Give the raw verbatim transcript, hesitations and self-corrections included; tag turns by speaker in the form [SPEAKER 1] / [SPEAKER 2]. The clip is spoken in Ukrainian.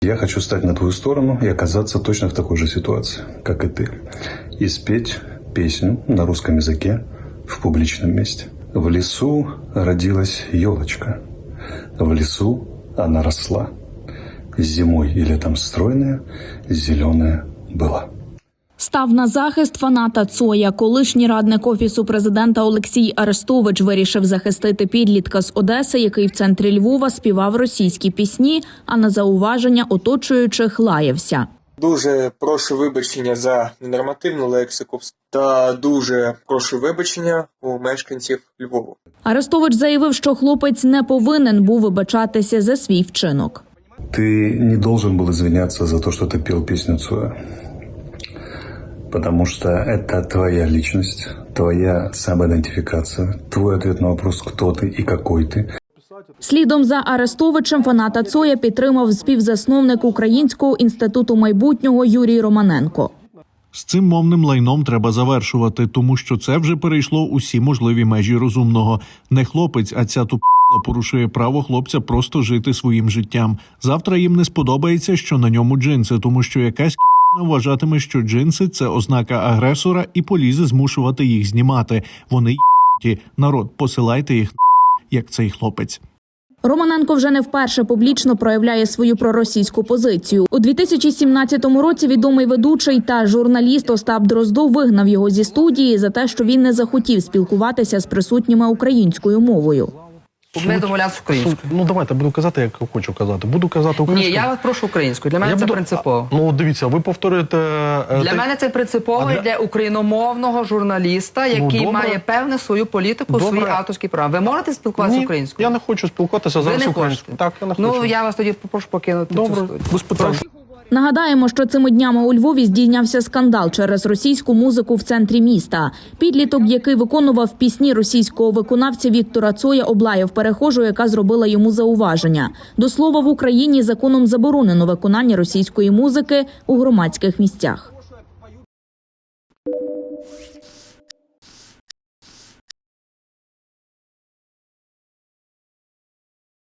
[SPEAKER 1] Я хочу стать на твою сторону и оказаться точно в такой же ситуации, как и ты. И спеть песню на русском языке в публичном месте. В лесу родилась елочка. В лесу она росла. Зимой и летом стройная, зеленая была.
[SPEAKER 2] Став на захист фаната Цоя. Колишній радник Офісу президента Олексій Арестович вирішив захистити підлітка з Одеси, який в центрі Львова співав російські пісні, а на зауваження оточуючих лаявся.
[SPEAKER 3] Дуже прошу вибачення за ненормативну лексику та дуже прошу вибачення у мешканців Львова.
[SPEAKER 2] Арестович заявив, що хлопець не повинен був вибачатися за свій вчинок.
[SPEAKER 1] Ты не должен был извиняться за то, что ты пел песню Цоя. Потому что это твоя личность, твоя самоидентификация, твой ответ на вопрос, кто ты и какой ты.
[SPEAKER 2] Слідом за Арестовичем фаната Цоя підтримав співзасновник Українського інституту майбутнього Юрій Романенко.
[SPEAKER 4] З цим мовним лайном треба завершувати, тому що це вже перейшло усі можливі межі розумного. Не хлопець, а ця тупа порушує право хлопця просто жити своїм життям. Завтра їм не сподобається, що на ньому джинси, тому що якась к***на вважатиме, що джинси – це ознака агресора і полізе змушувати їх знімати. Вони ***ті. Народ, посилайте їх, як цей хлопець.
[SPEAKER 2] Романенко вже не вперше публічно проявляє свою проросійську позицію. У дві тисячі сімнадцятому році відомий ведучий та журналіст Остап Дроздов вигнав його зі студії за те, що він не захотів спілкуватися з присутніми українською мовою.
[SPEAKER 5] Ми домовлятися українською.
[SPEAKER 6] Ну, давайте, буду казати, як хочу казати. Буду казати українською.
[SPEAKER 5] Ні, я вас прошу українською. Для мене
[SPEAKER 6] Я
[SPEAKER 5] це
[SPEAKER 6] буду...
[SPEAKER 5] принципово.
[SPEAKER 6] Ну, дивіться, ви повторюєте...
[SPEAKER 5] Для
[SPEAKER 6] те...
[SPEAKER 5] мене це принципово
[SPEAKER 6] для...
[SPEAKER 5] для україномовного журналіста, який
[SPEAKER 6] ну,
[SPEAKER 5] має певну свою політику,
[SPEAKER 6] добре.
[SPEAKER 5] свої авторські права. Ви можете спілкуватися
[SPEAKER 6] Ні,
[SPEAKER 5] українською?
[SPEAKER 6] я не хочу спілкуватися зараз українською. Так, я не хочу.
[SPEAKER 5] Ну, я вас тоді попрошу покинути
[SPEAKER 6] Добре,
[SPEAKER 5] цю студію.
[SPEAKER 6] без питань.
[SPEAKER 2] Нагадаємо, що цими днями у Львові здійнявся скандал через російську музику в центрі міста. Підліток, який виконував пісні російського виконавця Віктора Цоя, облаяв перехожу, яка зробила йому зауваження. До слова, в Україні законом заборонено виконання російської музики у громадських місцях.